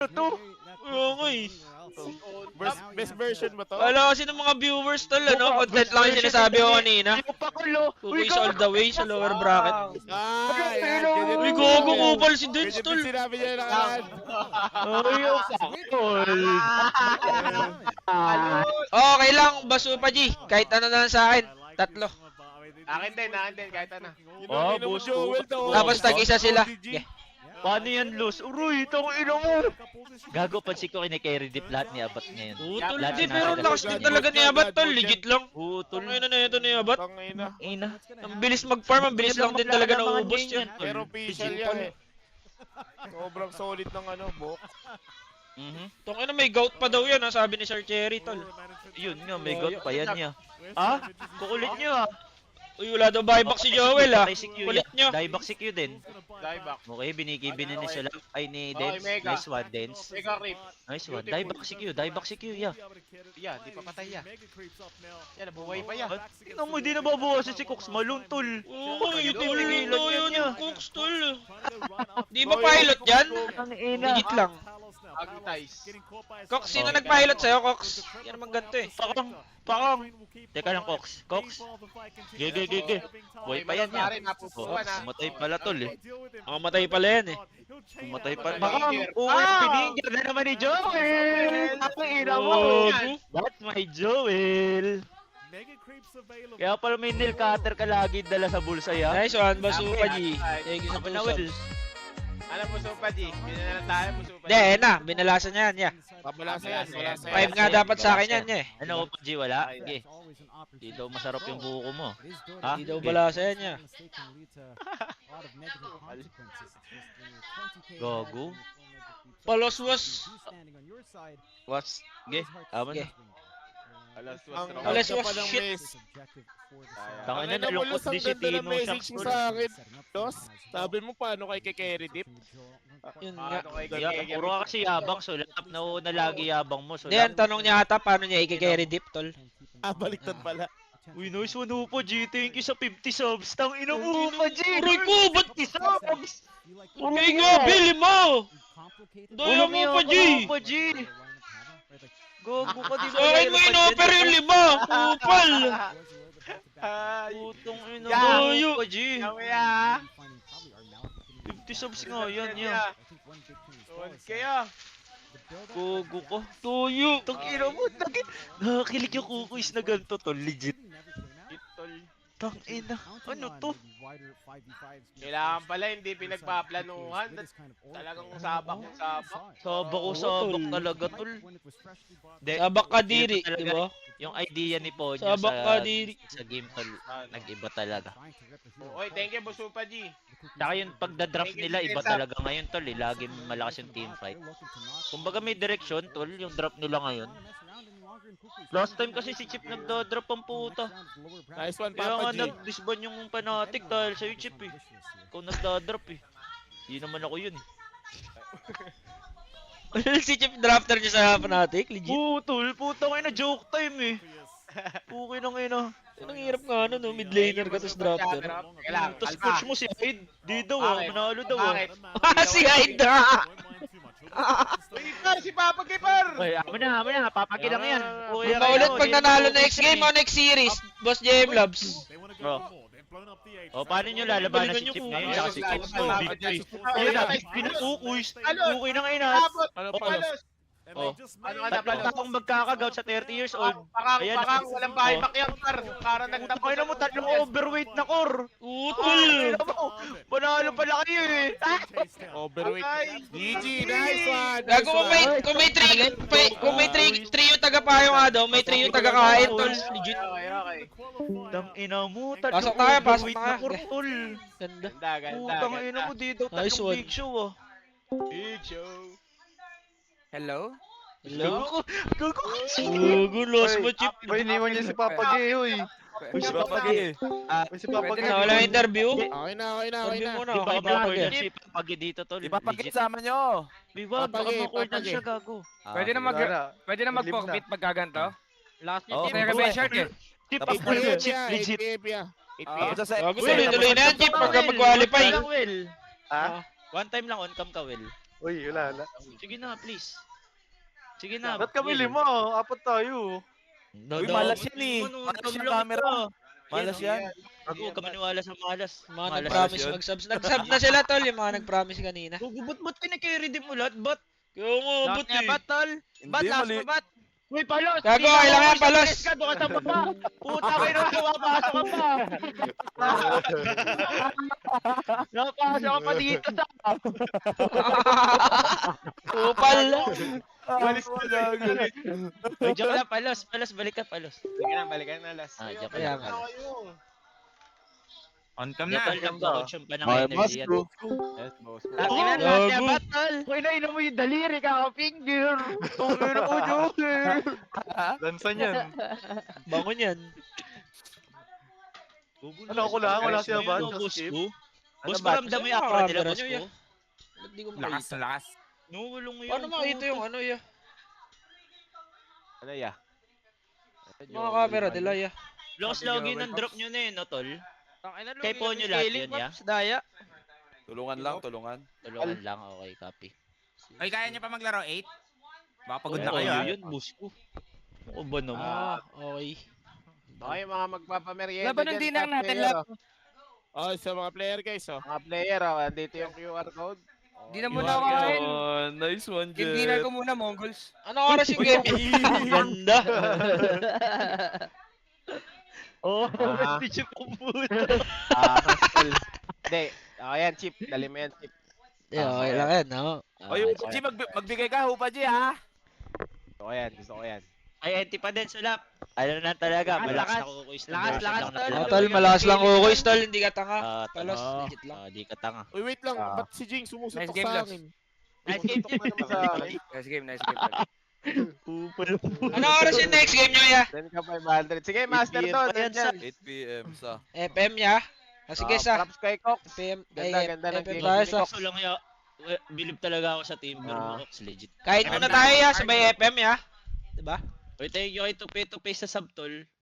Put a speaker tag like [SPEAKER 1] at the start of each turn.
[SPEAKER 1] to?
[SPEAKER 2] Oo nga eh.
[SPEAKER 3] Best version ba to?
[SPEAKER 2] Wala kasi ng mga viewers tol, ano? Content lang yung sinasabi ko kanina.
[SPEAKER 1] Yung pakulo.
[SPEAKER 2] Kukuis all the way sa lower bracket.
[SPEAKER 3] Yan. Ganyan
[SPEAKER 2] Uy,
[SPEAKER 3] din
[SPEAKER 2] gogo
[SPEAKER 3] yan.
[SPEAKER 2] kupal si Dutch
[SPEAKER 3] Ganyan
[SPEAKER 2] tol.
[SPEAKER 3] din sinabi niya nakaraan.
[SPEAKER 1] Ay, yung pakul.
[SPEAKER 2] Okay lang, baso pa G. Kahit ano na lang sa akin. Tatlo.
[SPEAKER 4] Akin din, kahit ano.
[SPEAKER 1] Oh,
[SPEAKER 3] Ino mo,
[SPEAKER 1] boss
[SPEAKER 3] Joel, to.
[SPEAKER 2] Tapos tag-isa sila. Yeah.
[SPEAKER 1] Paano yan, Luz? Uroy, itong ino mo. Gago, pansin ko kinikerry dip lahat ni Abat ngayon.
[SPEAKER 2] Utol,
[SPEAKER 1] Lahat
[SPEAKER 2] di,
[SPEAKER 1] na
[SPEAKER 2] pero
[SPEAKER 1] nasa-
[SPEAKER 2] lakas din talaga ni Abat tol. Legit lang.
[SPEAKER 1] Utol.
[SPEAKER 2] Tol na ito ni Abat.
[SPEAKER 3] Tangina.
[SPEAKER 1] Ina.
[SPEAKER 2] Ang bilis mag-farm, ang bilis lang din talaga nauubos yan.
[SPEAKER 3] Pero official yan eh. Sobrang solid ng ano, Bok.
[SPEAKER 2] Tong may gout pa daw yan, ha, sabi ni Sir Cherry tol.
[SPEAKER 1] Yun nga, may god pa yan niya. Ah? Kukulit niyo ah.
[SPEAKER 2] Uy, wala daw buyback si Joel, ha.
[SPEAKER 1] Patay si Q
[SPEAKER 2] Kulit
[SPEAKER 1] yan.
[SPEAKER 2] nyo.
[SPEAKER 1] Dieback si Q din.
[SPEAKER 4] Dieback.
[SPEAKER 1] Okay, binigay ni sila. Ay, ni
[SPEAKER 4] Okay,
[SPEAKER 1] Dens.
[SPEAKER 4] Mega.
[SPEAKER 1] Nice one, Dens.
[SPEAKER 4] Mega creep.
[SPEAKER 1] Nice one. Dieback si Q, dieback si Q, yeah.
[SPEAKER 4] Yeah, di pa patay ya. Yan, nabuhay pa yan.
[SPEAKER 1] Tingnan mo, di nababawasan si Cox Malone, tol.
[SPEAKER 2] Oo,
[SPEAKER 1] Ay,
[SPEAKER 2] utility
[SPEAKER 1] tigilan
[SPEAKER 2] daw
[SPEAKER 1] yan
[SPEAKER 2] yun
[SPEAKER 1] niya.
[SPEAKER 2] yung Cooks, tol. Di ba pilot yan?
[SPEAKER 1] Ang ina.
[SPEAKER 2] Legit lang.
[SPEAKER 4] Agutize.
[SPEAKER 2] Cox, sino nag-pilot sa'yo, Cox? Yan naman ganito eh.
[SPEAKER 1] Pakang. Teka lang, Cox. Cox. Gege. Buhay pa yan
[SPEAKER 4] Pare,
[SPEAKER 1] niya.
[SPEAKER 4] napupuan ha.
[SPEAKER 1] Matay pala, tol eh.
[SPEAKER 2] Ang matay pala yan eh.
[SPEAKER 1] Matay pala.
[SPEAKER 4] Pakang.
[SPEAKER 1] Pininja na naman ni Joel. Ang ina mo.
[SPEAKER 2] Gogo.
[SPEAKER 1] That's my Joel. Kaya pala may nail cutter ka lagi dala sa bulsa ya.
[SPEAKER 2] Nice one, baso pa G. Thank you sa
[SPEAKER 1] Ako na, Will.
[SPEAKER 2] puso.
[SPEAKER 4] Alam mo, Supa G. Ganyan na lang tayo, Supa G.
[SPEAKER 2] Hindi, na. Binalasan niya yan, yeah.
[SPEAKER 3] Pabalasa yan, balasa yan.
[SPEAKER 2] 5 nga dapat sa akin yan, yeah.
[SPEAKER 1] Ano ko, G, wala? Sige. Di daw masarap yung buko mo. Ha?
[SPEAKER 2] Hindi daw balasa yan, yeah.
[SPEAKER 1] Gago.
[SPEAKER 2] Palos-was.
[SPEAKER 1] Was? Ge, aman na.
[SPEAKER 4] Alas,
[SPEAKER 3] Ang
[SPEAKER 2] Alas,
[SPEAKER 3] ka pa
[SPEAKER 2] was
[SPEAKER 3] ng
[SPEAKER 2] shit.
[SPEAKER 3] mes.
[SPEAKER 1] Tanga na,
[SPEAKER 3] Ang ina mo,
[SPEAKER 1] nalungkot
[SPEAKER 3] Los, ang
[SPEAKER 1] din si
[SPEAKER 3] ganda ng
[SPEAKER 1] Tino
[SPEAKER 3] message
[SPEAKER 1] Shucks,
[SPEAKER 3] mo
[SPEAKER 1] tol.
[SPEAKER 3] sa akin. Los, sabi mo paano kay carry dip?
[SPEAKER 2] Yun nga.
[SPEAKER 4] Ano kay
[SPEAKER 1] Yeah,
[SPEAKER 4] Gege?
[SPEAKER 1] puro ka kasi yabang, sulat na una lagi yabang mo.
[SPEAKER 2] Hindi, ang tanong niya ata, paano niya i-carry dip, tol?
[SPEAKER 3] Ah, baliktad pala.
[SPEAKER 1] Uy, nice one po, G. Thank you sa 50 subs. Tang ina mo pa, G.
[SPEAKER 2] Aray ko, ba't
[SPEAKER 1] 50 subs?
[SPEAKER 2] Kaya nga, bili mo! Daya mo pa, G!
[SPEAKER 1] Pa, G. Gogo ka, di
[SPEAKER 2] Sa akin mo in-offer yung 5, kupal!
[SPEAKER 4] Ay,
[SPEAKER 1] Putong ina
[SPEAKER 4] Yeah.
[SPEAKER 1] mo pa, G.
[SPEAKER 4] Kaya.
[SPEAKER 1] 50 subs nga yan, yan.
[SPEAKER 4] Tuwan kaya.
[SPEAKER 1] Gogo ko.
[SPEAKER 2] Tuyo!
[SPEAKER 1] Tang ina mo, nakakilig yung kukuis na ganito, tol. Legit.
[SPEAKER 4] Itol.
[SPEAKER 1] Tang ina. Ano to?
[SPEAKER 4] Kailangan pala hindi pinagpaplanuhan. Talagang sabak yung sabak.
[SPEAKER 1] Sabak ko, sabak talaga, tol. De,
[SPEAKER 2] Sabak ka diri,
[SPEAKER 1] iba talaga.
[SPEAKER 2] di ba?
[SPEAKER 1] Yung idea ni Ponyo
[SPEAKER 2] Sabak ka diri.
[SPEAKER 1] sa game, tol, nag-iba talaga.
[SPEAKER 4] Oy, thank you, Busupa G.
[SPEAKER 1] Tsaka yung pagda-draft nila, iba talaga ngayon, tol. Lagi malakas yung team fight. Kumbaga may direction, tol, yung draft nila ngayon. Last time kasi si Chip nagda-drop ang puta.
[SPEAKER 3] Nice one,
[SPEAKER 1] Kaya nga
[SPEAKER 3] Papa G.
[SPEAKER 1] nag-disband yung Fanatic dahil sa'yo, Chip eh. Ikaw nagda-drop eh. Hindi naman ako yun eh.
[SPEAKER 2] Si Chip drafter niya sa Fnatic, legit.
[SPEAKER 1] Tol, puta kayo na joke time eh. Okay na ngayon ah.
[SPEAKER 2] Ang hirap nga ano, no? Mid laner ka, tapos drafter.
[SPEAKER 4] Teka lang,
[SPEAKER 1] Tapos
[SPEAKER 4] kalma.
[SPEAKER 1] coach mo si Hyde. Di daw ah,
[SPEAKER 4] Bakit?
[SPEAKER 1] manalo daw ah.
[SPEAKER 4] Bakit?
[SPEAKER 2] Si Aida!
[SPEAKER 4] Uy, Par, si Papa Kipar!
[SPEAKER 1] Okay, amo na, papagilang yan. Okay,
[SPEAKER 2] Paulit pag nanalo next game o next series, Boss JM Labs.
[SPEAKER 1] Bro. O, paano nyo lalabanan si
[SPEAKER 2] Galingan
[SPEAKER 1] Chip
[SPEAKER 2] nyo
[SPEAKER 1] ngayon?
[SPEAKER 2] kung
[SPEAKER 1] Tsaka si
[SPEAKER 4] ano.
[SPEAKER 1] Chip mo, big three. Ayun na, pinukukuis. Okay na ngayon ah.
[SPEAKER 4] Abot!
[SPEAKER 3] Ano
[SPEAKER 1] Oh,
[SPEAKER 3] pa?
[SPEAKER 4] Palos!
[SPEAKER 1] Oh.
[SPEAKER 4] Ano ka na,
[SPEAKER 1] Tatlong
[SPEAKER 4] Palos?
[SPEAKER 1] taong magkakagout sa 30 years old. Ayan,
[SPEAKER 4] Pakang, walang buyback yan, Par. Para
[SPEAKER 1] Puta
[SPEAKER 4] nagtapos.
[SPEAKER 1] kayo na mo, tatlong overweight na core.
[SPEAKER 2] Utol!
[SPEAKER 1] Panalo pala kayo eh.
[SPEAKER 3] Overweight.
[SPEAKER 4] Ay.
[SPEAKER 3] GG, nice one.
[SPEAKER 2] Gago kung may trio taga-payo nga daw, may trio taga-kain, tol. Legit.
[SPEAKER 4] Okay, okay.
[SPEAKER 1] Tang ina mo,
[SPEAKER 2] Pasok
[SPEAKER 1] tatlong
[SPEAKER 2] tayo, pasok
[SPEAKER 1] overweight
[SPEAKER 2] tayo.
[SPEAKER 1] na core, tol.
[SPEAKER 2] Ganda.
[SPEAKER 4] Ganda, ganda,
[SPEAKER 1] Putang ina
[SPEAKER 4] ganda.
[SPEAKER 1] mo dito,
[SPEAKER 2] Nice
[SPEAKER 1] tatlong
[SPEAKER 2] one.
[SPEAKER 1] big show ah.
[SPEAKER 4] Big show.
[SPEAKER 5] Hello?
[SPEAKER 2] Hello?
[SPEAKER 1] Gago.
[SPEAKER 2] Gago, lost mo, Chip.
[SPEAKER 6] May iniwan niya si Papa G, uy.
[SPEAKER 1] Uy, si Papa G.
[SPEAKER 6] Uy, si Papa G.
[SPEAKER 2] Wala interview?
[SPEAKER 3] Okay na, okay na, okay
[SPEAKER 2] Interview
[SPEAKER 3] na.
[SPEAKER 2] muna,
[SPEAKER 1] Di ba
[SPEAKER 2] okay na.
[SPEAKER 1] iba corner si Papa G dito, tol?
[SPEAKER 5] Ipapagit
[SPEAKER 1] Legit.
[SPEAKER 5] sama nyo.
[SPEAKER 1] Di ba, baka
[SPEAKER 3] Papagi,
[SPEAKER 1] ma-corner
[SPEAKER 3] papagi.
[SPEAKER 1] siya, gago.
[SPEAKER 7] Pwede na mag pwede na mag-forfeit pagkaganto.
[SPEAKER 1] Last
[SPEAKER 5] Oh,
[SPEAKER 7] May rebel shirt eh.
[SPEAKER 1] Chip,
[SPEAKER 5] Tapos
[SPEAKER 1] ikaw na,
[SPEAKER 3] 8
[SPEAKER 1] Chip,
[SPEAKER 3] PF
[SPEAKER 1] legit.
[SPEAKER 3] 8 PF ya. 8
[SPEAKER 5] Tapos
[SPEAKER 3] PF.
[SPEAKER 5] sa
[SPEAKER 2] Gago, tuloy-tuloy na yan, Chip, pagka mag-qualify.
[SPEAKER 1] One time lang, Will.
[SPEAKER 5] Ha?
[SPEAKER 1] One time lang on cam ka, Will.
[SPEAKER 6] Uy, wala.
[SPEAKER 1] Sige na, please. Sige na.
[SPEAKER 6] Ba't kami
[SPEAKER 1] Will.
[SPEAKER 6] 5? Apat tayo.
[SPEAKER 1] No,
[SPEAKER 3] Uy,
[SPEAKER 1] no.
[SPEAKER 3] malas yan eh.
[SPEAKER 1] Ano,
[SPEAKER 3] Malas
[SPEAKER 1] dam
[SPEAKER 3] yung
[SPEAKER 1] lang
[SPEAKER 3] camera.
[SPEAKER 1] ito.
[SPEAKER 3] Malas
[SPEAKER 1] Yan,
[SPEAKER 3] yan.
[SPEAKER 1] Ako, huwag ka maniwala sa malas.
[SPEAKER 2] Mga
[SPEAKER 1] Malas
[SPEAKER 2] nag-promise
[SPEAKER 3] yun.
[SPEAKER 2] mag-subs. Nag-sub na sila tol, yung mga nag-promise kanina.
[SPEAKER 1] Ba't kinakarry mo lahat? Ba't? Kaya nga, ba't eh?
[SPEAKER 4] Battle.
[SPEAKER 3] Hindi, mali.
[SPEAKER 1] Uy, palos!
[SPEAKER 2] Gago, kailangan palos!
[SPEAKER 1] Ka, doon ka sa baba! Puta kayo na, pumapasok ka pa! Napasok ka pa dito sa...
[SPEAKER 2] Upal!
[SPEAKER 3] Malis ko gago.
[SPEAKER 1] Uy, joke lang, palos, balik ka, palos.
[SPEAKER 4] Balikan na last.
[SPEAKER 1] Ah, joke
[SPEAKER 2] Kaya
[SPEAKER 1] lang.
[SPEAKER 2] nga.
[SPEAKER 7] On cam
[SPEAKER 1] Joke
[SPEAKER 7] na.
[SPEAKER 1] lang, coach yung pa ng
[SPEAKER 3] Okay,
[SPEAKER 1] energy yan.
[SPEAKER 4] Yes, boss.
[SPEAKER 1] Ina
[SPEAKER 2] Gago.
[SPEAKER 1] lahat niya, battle! Uy, nainom mo yung daliri, kaka-finger! Tungin ako, joker!
[SPEAKER 6] Lansan yan.
[SPEAKER 2] Bangon yan.
[SPEAKER 6] Ano ako lang? Wala siya ba?
[SPEAKER 1] Ano, boss
[SPEAKER 6] Skip?
[SPEAKER 1] ko?
[SPEAKER 2] Ano
[SPEAKER 1] Boss ko,
[SPEAKER 2] ba?
[SPEAKER 1] ramdam mo yung
[SPEAKER 2] Saan
[SPEAKER 1] akra nila,
[SPEAKER 2] camera
[SPEAKER 1] boss
[SPEAKER 2] nyo,
[SPEAKER 1] ko?
[SPEAKER 2] ya? Ba't di ko
[SPEAKER 7] Lakas
[SPEAKER 2] makita?
[SPEAKER 7] na lakas.
[SPEAKER 1] Nungulong mo yun.
[SPEAKER 2] Paano makita yung ano ya?
[SPEAKER 4] Ano ya?
[SPEAKER 2] Mga camera nila ya.
[SPEAKER 1] Lakas lagi ng drop nyo na yun, no, tol?
[SPEAKER 4] Tangina
[SPEAKER 1] Kay Ponyo lahat yun, ya?
[SPEAKER 4] Daya.
[SPEAKER 3] Tulungan lang, tulungan.
[SPEAKER 1] Tulungan lang, okay, copy.
[SPEAKER 7] Ay, kaya niyo pa maglaro 8? Baka pagod
[SPEAKER 1] Uy,
[SPEAKER 7] na kayo.
[SPEAKER 1] ayaw
[SPEAKER 7] ah.
[SPEAKER 1] yun, boss ko. Ako ba naman?
[SPEAKER 2] Ah, okay.
[SPEAKER 4] Okay, mga magpapamerienda
[SPEAKER 7] Laban ng
[SPEAKER 4] dyan,
[SPEAKER 7] dinner
[SPEAKER 4] top
[SPEAKER 7] natin,
[SPEAKER 4] player,
[SPEAKER 7] lab.
[SPEAKER 4] oh.
[SPEAKER 3] Oh, sa mga player guys, oh.
[SPEAKER 4] Mga player, dito yung QR code.
[SPEAKER 7] Di na muna kain.
[SPEAKER 3] Nice one,
[SPEAKER 7] Yung dinner ko muna, Mongols.
[SPEAKER 2] Anong oras yung game? Ganda.
[SPEAKER 1] Oh,
[SPEAKER 4] Ah.
[SPEAKER 1] hindi siya pumunta.
[SPEAKER 4] Hostel. Hindi. Ayan, chip. Dali mo yan, chip.
[SPEAKER 2] Okay lang yan, no?
[SPEAKER 3] Oy, Upaji, magbigay ka, Upaji, ha?
[SPEAKER 4] Gusto ko yan.
[SPEAKER 1] Ay, anti pa din, sulap. Ano na talaga,
[SPEAKER 4] Lakas,
[SPEAKER 1] malakas na kukuis na
[SPEAKER 4] lakas,
[SPEAKER 1] version
[SPEAKER 4] lakas,
[SPEAKER 1] lang na
[SPEAKER 4] tol.
[SPEAKER 2] Ah,
[SPEAKER 1] talaga.
[SPEAKER 2] tol, malakas lang kukuis, tol. Hindi ka tanga. Palos,
[SPEAKER 3] Ah.
[SPEAKER 2] legit lang.
[SPEAKER 1] Di ka tanga.
[SPEAKER 3] Uy, wait lang.
[SPEAKER 4] Ah.
[SPEAKER 3] Ba't si Jing sumusuntok
[SPEAKER 7] Nice game,
[SPEAKER 3] sa
[SPEAKER 7] Lods.
[SPEAKER 3] akin?
[SPEAKER 1] Nice game,
[SPEAKER 4] Tutok na naman sa akin.
[SPEAKER 7] Nice game, nice game. tol.
[SPEAKER 2] Anong oras yung next game nyo ya?
[SPEAKER 4] Then ka 500. Sige, master
[SPEAKER 1] 8
[SPEAKER 4] to.
[SPEAKER 1] pa yan,
[SPEAKER 4] Yan,
[SPEAKER 3] 8 PM sa...
[SPEAKER 2] FM ya? Ah, sige sa.
[SPEAKER 4] Props kay Cox.
[SPEAKER 2] FM,
[SPEAKER 4] Ganda,
[SPEAKER 2] ay,
[SPEAKER 4] ganda ng
[SPEAKER 2] FM
[SPEAKER 4] game.
[SPEAKER 2] tayo sa.
[SPEAKER 1] Kaso lang ya, believe talaga ako sa team
[SPEAKER 4] Ah.
[SPEAKER 1] Burmox, legit.
[SPEAKER 2] Kahit muna tayo ya, sabay FM ya. Diba?
[SPEAKER 1] Uy, thank you kay Tupi sa subtol.